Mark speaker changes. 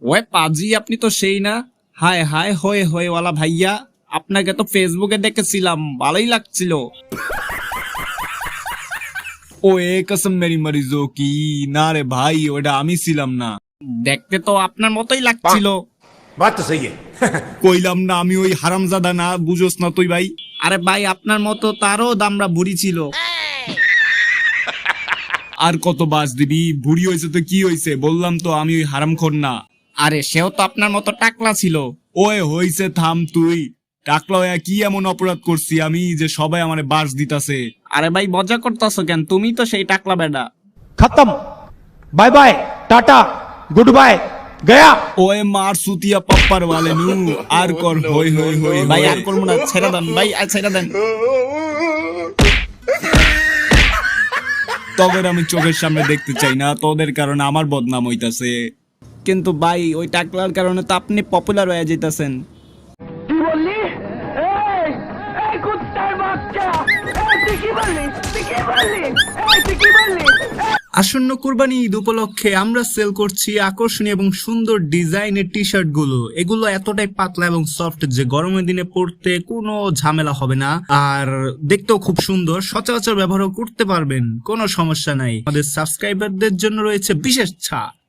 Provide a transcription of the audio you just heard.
Speaker 1: Way পাজি, আপনি তো সেই না? হায় হায় হয়ে হয়ে ওয়ালা ভাইয়া, আপনাকে তো ফেসবুকে দেখেছিলাম, ভালোই লাগছিল। ও এ কসম মেরি মরিজো কি, না রে ভাই, ওটা আমি ছিলাম না। দেখতে তো আপনার মতোই লাগছিল।
Speaker 2: बात तो सही है।
Speaker 1: কইলাম না আমি ওই হারামজাদা না, বুঝোস না তুই ভাই? আরে ভাই, আপনার মতো তারও দামড়া বুড়ি ছিল। আর কত বাস দিবি? বুড়ি হয়েছে তো কি হয়েছে, বললাম তো আমি ওই হারামখোর না। আরে সেও তো আপনার মতো টাকলা ছিল। ওই হইছে, থাম তুই। টাকলা হইয়া কি এমন অপরাধ করছি আমি যে সবাই আমারে বাস দিতাছে? আরে ভাই মজা করতাছো কেন? তুমি তো সেই টাকলা বেডা।
Speaker 2: खत्म। Bye bye, tata, good bye, गया।
Speaker 1: ওয়ে মার সুতিয়া পাপ্পার वाले নু। আর কর হই হই হই ভাই, আর করব না, ছেড়ে দেন ভাই, আর ছেড়ে দেন। তোদের আমি চোখের সামনে দেখতে চাই না, তোদের কারণে আমার বদনাম হইতাছে। কিন্তু ভাই ওই টাকলার কারণে তো আপনি পপুলার হয়ে যাইতাছেন।
Speaker 3: কি বললি? এই এই কুত্তার বাচ্চা, এই তুই কি বললি? তুই কি বললি? এই তুই কি বললি?
Speaker 1: আসন্ন কুরবানি ঈদ উপলক্ষে আমরা সেল করছি আকর্ষণীয় এবং সুন্দর ডিজাইনের টি শার্ট গুলো। এগুলো এতটাই পাতলা এবং সফট যে গরমের দিনে পরতে কোনো ঝামেলা হবে না, আর দেখতেও খুব সুন্দর, সচরাচর ব্যবহারও করতে পারবেন, কোনো সমস্যা নাই। আমাদের সাবস্ক্রাইবারদের জন্য রয়েছে বিশেষ ছাড়।